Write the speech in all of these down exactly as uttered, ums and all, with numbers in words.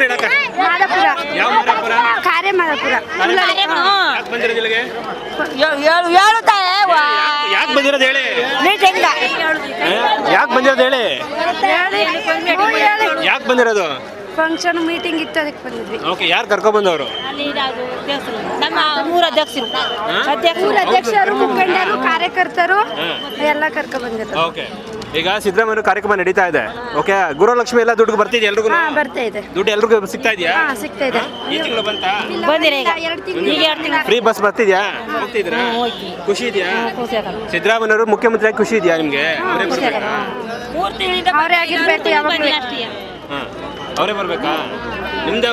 ಹೇಳಕ್ಕ ಮಾದಾಪುರ ಯಾವ ಮಾದಾಪುರ ಕಾರ್ಯ ಮಾದಾಪುರ ಯಾಕೆ ಬಂದಿರೋದು ಇಲ್ಲಿಗೆ ಯಾಕೆ ಬಂದಿರೋದು ಹೇಳಿ ಯಾಕೆ ಬಂದಿರೋದು ಹೇಳಿ ಯಾಕೆ ಬಂದಿರೋದು ಫಂಕ್ಷನ್ ಮೀಟಿಂಗ್ ಇತ್ತು ಅದಕ್ಕೆ ಬಂದಿದ್ವಿ. ಓಕೆ ಯಾರು ಕರ್ಕೊಂಡ್ ಬಂದವರು ನಮ್ಮ ಊರ ಅಧ್ಯಕ್ಷರು ಊರ ಅಧ್ಯಕ್ಷರು ಮುಖಂಡರು ಕಾರ್ಯಕರ್ತರು ಎಲ್ಲ ಕರ್ಕೊಂಡ್ ಬಂದಿದ್ರು. ಓಕೆ ಈಗ ಸಿದ್ದರಾಮಯ್ಯ ಕಾರ್ಯಕ್ರಮ ನಡೀತಾ ಇದೆ. ಓಕೆ ಗೃಹಲಕ್ಷ್ಮಿ ಎಲ್ಲ ದುಡ್ಡು ಬರ್ತಿದೆ ಎಲ್ರಿಗೂ ಹಾ ಬರ್ತಾ ಇದೆ. ದುಡ್ಡು ಎಲ್ರಿಗೂ ಸಿಗ್ತಾ ಇದೆಯಾ? ಹಾ ಸಿಗ್ತಾ ಇದೆ. ಈ ತಿಂಗಳು ಬಂತಾ? ಬಂದಿರ ಈಗ ಎರಡು ತಿಂಗಳು ಫ್ರೀ ಬಸ್ ಬರ್ತಿದ್ಯಾ? ಹೋಗ್ತಿದ್ರಾ? ಖುಷಿ ಇದೆಯಾ? ಸಿದ್ದರಾಮಯ್ಯವರು ಮುಖ್ಯಮಂತ್ರಿ ಖುಷಿ ಇದೆಯಾ ನಿಮ್ಗೆ? ಅವರೇ ಬರ್ಬೇಕಾ? ಅವರೇ ಆಗಿರ್ಬೇಕು ಯಾವಾಗಲೂ. ಹಾ ಅವರೇ ಬರ್ಬೇಕಾ? ನಿಮ್ದು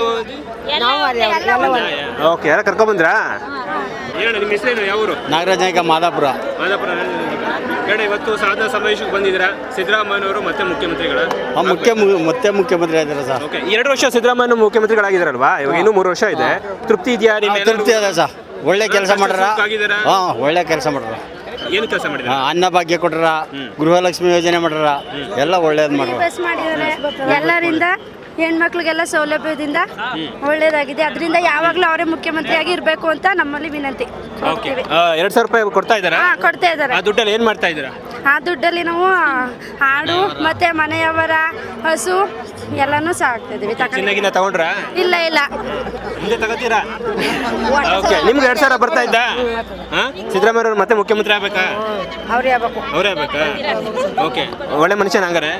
ಓಕೆ ಯಾರ ಕರ್ಕೊಂಡ್ ಬಂದ್ರಾ? ಹೇಳ ನಿಮ್ಮ ಹೆಸರೇನು? ಯಾವ ಊರು? ನಾಗರಾಜ ನಾಯ್ಕ ಮಾದಾಪುರ. ಮಾದಾಪುರ ಹೇಳಿ. ಇವತ್ತು ಸಾಧನಾ ಸಮಾವೇಶಕ್ಕೆ ಬಂದಿದ್ದೀರಾ. ಸಿದ್ದರಾಮಯ್ಯನವರು ಮತ್ತೆ ಮುಖ್ಯಮಂತ್ರಿಗಳ ಮುಖ್ಯ ಮತ್ತೆ ಮುಖ್ಯಮಂತ್ರಿ ಆಗಿದ್ದಾರೆ ಸರ್. ಓಕೆ ಎರಡು ವರ್ಷ ಸಿದ್ದರಾಮಯ್ಯ ಮುಖ್ಯಮಂತ್ರಿಗಳಾಗಿದ್ದಾರಲ್ವಾ? ಇವಾಗ ಇನ್ನೂ ಮೂರು ವರ್ಷ ಇದೆ. ತೃಪ್ತಿ ಇದೆಯಾ? ನಿಮ್ಮ ತೃಪ್ತಿ ಇದೆ ಸರ್. ಒಳ್ಳೆ ಕೆಲಸ ಮಾಡ್ಯಾರ. ಹಾ ಒಳ್ಳೆ ಕೆಲಸ ಮಾಡ್ಯಾರ. ಏನು ಕೆಲಸ ಮಾಡಿದ್ರು? ಅನ್ನ ಭಾಗ್ಯ ಕೊಟ್ಟಾರ, ಗೃಹಲಕ್ಷ್ಮಿ ಯೋಜನೆ ಮಾಡ್ಯಾರ, ಎಲ್ಲ ಒಳ್ಳೇದು ಮಾಡ್ಯಾರ. ಬಸ್ ಮಾಡಿದ್ದಾರೆ. ಎಲ್ಲರಿಂದ ಹೆಣ್ಮಕ್ಳಿಗೆಲ್ಲ ಸೌಲಭ್ಯದಿಂದ ಒಳ್ಳೇದಾಗಿದೆ. ಅದರಿಂದ ಯಾವಾಗಲೂ ಅವರೇ ಮುಖ್ಯಮಂತ್ರಿಯಾಗಿ ಇರಬೇಕು ಅಂತ ನಮ್ಮಲ್ಲಿ ವಿನಂತಿ. ಓಕೆ ಎರಡು ಸಾವಿರ ರೂಪಾಯಿ ಕೊಡ್ತಾ ಇದ್ದಾರಾ? ಹಾ ಕೊಡ್ತಾ ಇದ್ದಾರೆ. ಆ ದುಡ್ಡಲ್ಲಿ ಏನು ಮಾಡ್ತಾ ಇದ್ದೀರಾ? ಆ ದುಡ್ಡಲ್ಲಿ ನಾವು ಹಾಡು ಮತ್ತೆ ಮನೆಯವರ ಹಸು ಎಲ್ಲಾನು ಸಾಕ್ತಾ ಇದೀವಿ. ಚಿನ್ನಗಿನ ತಗೊಂಡ್ರಾ? ಇಲ್ಲ ಇಲ್ಲ ಮುಂದೆ ತಗೋತೀರಾ? ಓಕೆ ನಿಮ್ಗೆ ಎರಡು ಸಾವಿರ ಬರ್ತಾ ಇದ್ದ? ಹಾ ಸಿದ್ದರಾಮಯ್ಯ ಮತ್ತೆ ಮುಖ್ಯಮಂತ್ರಿ ಆಗ್ಬೇಕಾ? ಅವ್ರೇ ಆಗ್ಬೇಕು. ಅವರೇ ಆಗ್ಬೇಕಾ? ಓಕೆ ಒಳ್ಳೆ ಮನುಷ್ಯನ ಹಂಗಾರೆ.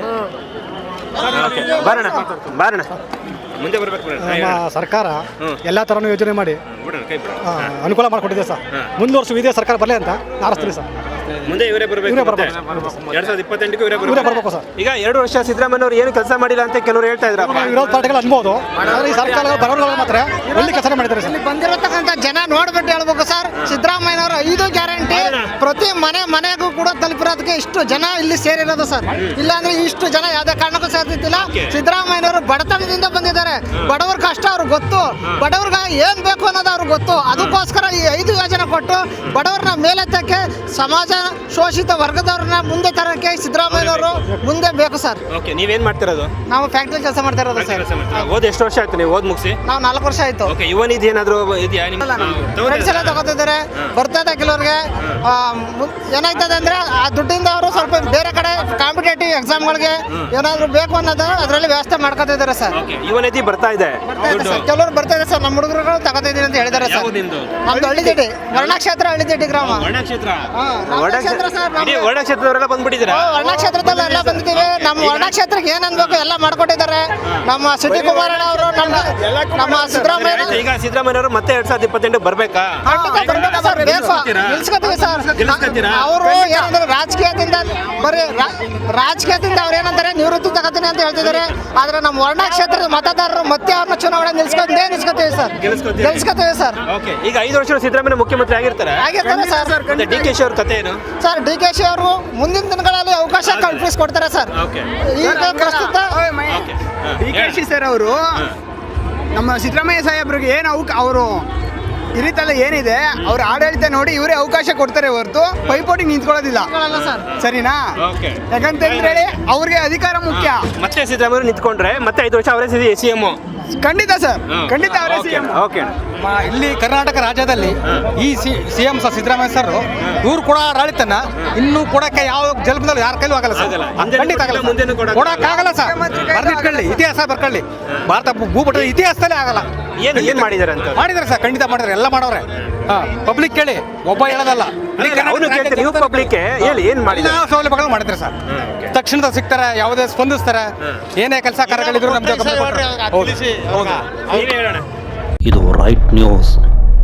ಓಕೆ ಬಾರಣ ಬಾರಣ ಮುಂದೆ ಬರ್ಬೇಕು. ನಮ್ಮ ಸರ್ಕಾರ ಎಲ್ಲ ಥರನೂ ಯೋಜನೆ ಮಾಡಿ ಕೈ ಆ, ಅನುಕೂಲ ಮಾಡಿಕೊಟ್ಟಿದೆ ಸರ್. ಮುಂದಿನ ವರ್ಷ ಇದೇ ಸರ್ಕಾರ ಬರಲಿ ಅಂತ ಹಾರಸ್ತೀವಿ ಸರ್. ಮುಂದೆ ಇವರೇ ಬರಬೇಕು. ಇವರೇ ಬರ್ಬೇಕು. ಎರಡ್ ಸಾವಿರದ ಇಪ್ಪತ್ತೆಂಟಕ್ಕೆ ಇವರೇ ಇವರೇ ಬರಬೇಕು ಬರಬೇಕು ಸರ್. ಈಗ ಎರಡು ವರ್ಷ ಸಿದ್ದರಾಮಯ್ಯ ಅವರು ಏನು ಕೆಲಸ ಮಾಡಿಲ್ಲ ಅಂತ ಕೆಲವರು ಹೇಳ್ತಾ ಇದ್ರಪ್ಪ. ವಿರೋಧ ಪಾರ್ಟಿಗಳು ಅನ್ಬೋದು, ಆದರೆ ಈ ಸರ್ಕಾರ ಬರೋರುಗಳು ಮಾತ್ರ ಎಲ್ಲಿ ಕೆಲಸ ಮಾಡಿದ್ದಾರೆ ಸರ್. ಬಂದಿರತಕ್ಕಂಥ ಜನ ನೋಡ್ಬಿಟ್ಟು ಹೇಳ್ಬೇಕು ಸರ್. ಸಿದ್ದರಾಮಯ್ಯನವರು ಐದು ಗ್ಯಾರಂಟಿ ಪ್ರತಿ ಮನೆ ಮನೆಗೂ ಕೂಡ ತಲುಪಿರೋದಕ್ಕೆ ಇಷ್ಟು ಜನ ಇಲ್ಲಿ ಸೇರಿರೋದು ಸರ್. ಇಲ್ಲಾಂದ್ರೆ ಇಷ್ಟು ಜನ ಯಾವುದೇ ಕಾರಣಕ್ಕೂ ಸೇರ್ತಿದ್ದಿಲ್ಲ. ಸಿದ್ದರಾಮಯ್ಯನವರು ಬಡತನದಿಂದ ಬಂದಿದ್ದಾರೆ. ಬಡವ್ರ ಕಷ್ಟ ಅವ್ರಿಗೆ ಗೊತ್ತು, ಬಡವ್ರಿಗೆ ಏನ್ ಬೇಕು ಅನ್ನೋದು ಅವ್ರಿಗೆ ಗೊತ್ತು. ಅದಕ್ಕೋಸ್ಕರ ಈ ಐದು ಯೋಜನೆ ಕೊಟ್ಟು ಬಡವ್ರನ್ನ ಮೇಲೆತ್ತಕ್ಕೆ, ಸಮಾಜ ಶೋಷಿತ ವರ್ಗದವ್ರನ್ನ ಮುಂದೆ ತರಕ್ಕೆ ಸಿದ್ದರಾಮಯ್ಯನವರು ಮುಂದೆ ಬೇಕು ಸರ್. ಓಕೆ ನೀವೇನ್ ಮಾಡ್ತಿರೋದು? ನಾವು ಫ್ಯಾಕ್ಟ್ರಿ ಕೆಲಸ ಮಾಡ್ತಾ ಇರೋದು ಸರ್. ಓದ್ ಎಷ್ಟು ವರ್ಷ ಆಯ್ತು ನೀವು ಓದ್ ಮುಗಿಸಿ? ನಾವು ನಾಲ್ಕು ವರ್ಷ ಆಯ್ತು. ಓಕೆ ಯುವ ನಿಧಿ ಏನಾದ್ರು ಇದೆಯಾ ನಿಮ್ಮ? ಫ್ರೆಂಡ್ಸ್ ಎಲ್ಲ ತಗೋತಿದ್ದಾರೆ, ಬರ್ತದೆ ಕೆಲವ್ರಿಗೆ. ಏನಾಗ್ತದೆ ಅಂದ್ರೆ ಆ ದುಡ್ಡಿಂದ ಅವರು ಸ್ವಲ್ಪ ಬೇರೆ ಕಡೆ ಕಾಂಪಿಟೇಟಿವ್ ಎಕ್ಸಾಮ್ಗಳಿಗೆ ಏನಾದ್ರು ಬೇಕು ಅನ್ನೋದು ಅದರಲ್ಲಿ ವ್ಯವಸ್ಥೆ ಮಾಡ್ಕೊತಿದ್ದಾರೆ ಸರ್. ಯುವ ನಿಧಿ ಬರ್ತಾ ಇದೆ. ಕೆಲವರು ಬರ್ತಾ ಇದೆ ಸರ್. ನಮ್ಮ ಹುಡುಗರುಗಳು ತಗೋತಿದ್ದೀನಿ ಅಂತ ಹೇಳಿದ್ದಾರೆ ಸರ್. ನಮ್ದು ಹಳ್ಳಿದಿಡ್ಡಿ ವರ್ಣಕ್ಷೇತ್ರ, ಹಳ್ಳಿದಿಡ್ಡಿ ಗ್ರಾಮ. ವರ್ಣಕ್ಷೇತ್ರ ವರ್ಣಕ್ಷೇತ್ರ ಸರ್. ವರ್ಣಕ್ಷೇತ್ರದವರೆಲ್ಲ ಬಂದ್ಬಿಟ್ಟಿದ್ದೀರಾ? ವರ್ಣಕ್ಷೇತ್ರದಲ್ಲಿ ಎಲ್ಲ ಬಂದಿದ್ದೀವಿ. ನಮ್ಮ ವರ್ಣಕ್ಷೇತ್ರಕ್ಕೆ ಏನ್ ಅನ್ಬೇಕು ಎಲ್ಲ ಮಾಡ್ಕೊಟ್ಟಿದ್ದಾರೆ ನಮ್ಮ ಸಿಟಿ ಕುಮಾರಣ್ಣ ಅವರು, ನಮ್ಮ ನಮ್ಮ ಸಿದ್ದರಾಮಯ್ಯ. ಈಗ ಸಿದ್ದರಾಮಯ್ಯ ಅವರು ಮತ್ತೆ ಎರಡ್ ಸಾವಿರದ ಇಪ್ಪತ್ತೆಂಟು ಬರ್ಬೇಕಾ? ನಿಲ್ಸ್ಕೊತೀವಿ ಸರ್. ಅವರು ಏನಂದ್ರೆ ರಾಜಕೀಯದಿಂದ ಬರೀ ರಾಜಕೀಯದಿಂದ ಅವ್ರು ಏನಂತಾರೆ ನಿವೃತ್ತಿ ತಗೋತೀನಿ ಅಂತ ಹೇಳ್ತಿದ್ದಾರೆ. ಆದ್ರೆ ನಮ್ಮ ವರ್ಣ ಕ್ಷೇತ್ರದ ಮತದಾರರು ಮತ್ತೆ ಅವ್ರನ್ನ ಚುನಾವಣೆ ನಿಲ್ಸ್ಕೊಂಡೇ ನಿಲ್ಸ್ಕೊತೀವಿ ಸರ್. ಗೆಲ್ಸ್ಕೊತೀವಿ ಸರ್. ಈಗ ಐದು ವರ್ಷ ಸಿದ್ದರಾಮಯ್ಯ ಮುಖ್ಯಮಂತ್ರಿ ಆಗಿರ್ತಾರೆ ಆಗಿರ್ತಾರೆ ಸರ್. ಡಿ ಕೆ ಶಿ ಅವ್ರ ಕಥೆ ಏನು ಸರ್? ಡಿ ಕೆ ಶಿ ಅವರು ಮುಂದಿನ ದಿನಗಳಲ್ಲಿ ಅವಕಾಶ ಕಲ್ಪಿಸ್ಕೊಡ್ತಾರೆ ಸರ್. ಈಗ ಪ್ರಸ್ತುತ ಡಿ ಕೆ ಶಿ ಸರ್ ಅವರು ನಮ್ಮ ಸಿದ್ದರಾಮಯ್ಯ ಸಾಹೇಬ್ರಿಗೆ ಏನು ಅವಕ್ಕೆ ಅವರು ಹಿರಿತಲ್ಲ ಏನಿದೆ ಅವ್ರ ಆಡಳಿತ ನೋಡಿ ಇವರೇ ಅವಕಾಶ ಕೊಡ್ತಾರೆ ಹೊರತು ಪೈಪೋಟಿ ನಿಂತ್ಕೊಳ್ಳೋದಿಲ್ಲ ಸರಿನಾ? ಯಾಕಂತಂದ್ರೆ ಅವ್ರಿಗೆ ಅಧಿಕಾರ ಮುಖ್ಯ. ಮತ್ತೆ ಸಿದ್ದರಾಮಯ್ಯ ನಿಂತ್ಕೊಂಡ್ರೆ ಮತ್ತೆ ಐದು ವರ್ಷ ಅವರೇ ಸಿ ಎಂ. ಖಂಡಿತ ಸರ್, ಖಂಡಿತ ಅವರೇ ಸಿ ಎಂ. ಓಕೆ ಇಲ್ಲಿ ಕರ್ನಾಟಕ ರಾಜ್ಯದಲ್ಲಿ ಈ C M sir Siddaramaiah sir ಇವ್ರು ಕೂಡ ಆಡಳಿತನ ಇನ್ನೂ ಕೊಡಕ್ಕೆ ಯಾವ ಜಲ್ಪದಲ್ಲಿ ಯಾರ ಕೈಲೂ ಆಗಲ್ಲ ಸರ್. ಖಂಡಿತ ಆಗಲ್ಲ, ಕೊಡಕ್ಕಾಗಲ್ಲ ಸರ್. ಬರ್ದಿಟ್ಕೊಳ್ಳಿ, ಇತಿಹಾಸ ಬರ್ಕೊಳ್ಳಿ. ಭಾರತ ಭೂಪಟದ ಇತಿಹಾಸದಲ್ಲೇ ಆಗಲ್ಲ. ಏನು ಏನು ಮಾಡಿದ್ದಾರೆ ಅಂತ ಮಾಡಿದ್ದಾರೆ ಸರ್, ಖಂಡಿತ ಮಾಡಿದ್ದಾರೆ, ಎಲ್ಲ ಮಾಡವ್ರೆ. ಹಾ ಪಬ್ಲಿಕ್ ಕೇಳಿ, ಒಬ್ಬ ಹೇಳೋದಲ್ಲ. ನೀವು ಪಬ್ಲಿಕ್ ಹೇಳಿ ಏನು ಮಾಡಿದ್ದಾರೆ? ಸೌಲಭ್ಯಗಳು ಮಾಡಿದ್ರೆ ಸರ್ ತಕ್ಷಣದ ಸಿಗ್ತಾರೆ, ಯಾವುದೇ ಸ್ಪಂದಿಸ್ತಾರೆ. ಏನೇ ಕೆಲಸ ಕಾರ್ಯಗಳಿದ್ರು ನಮ್ಗೆ ಇದು ರೈಟ್ ನ್ಯೂಸ್.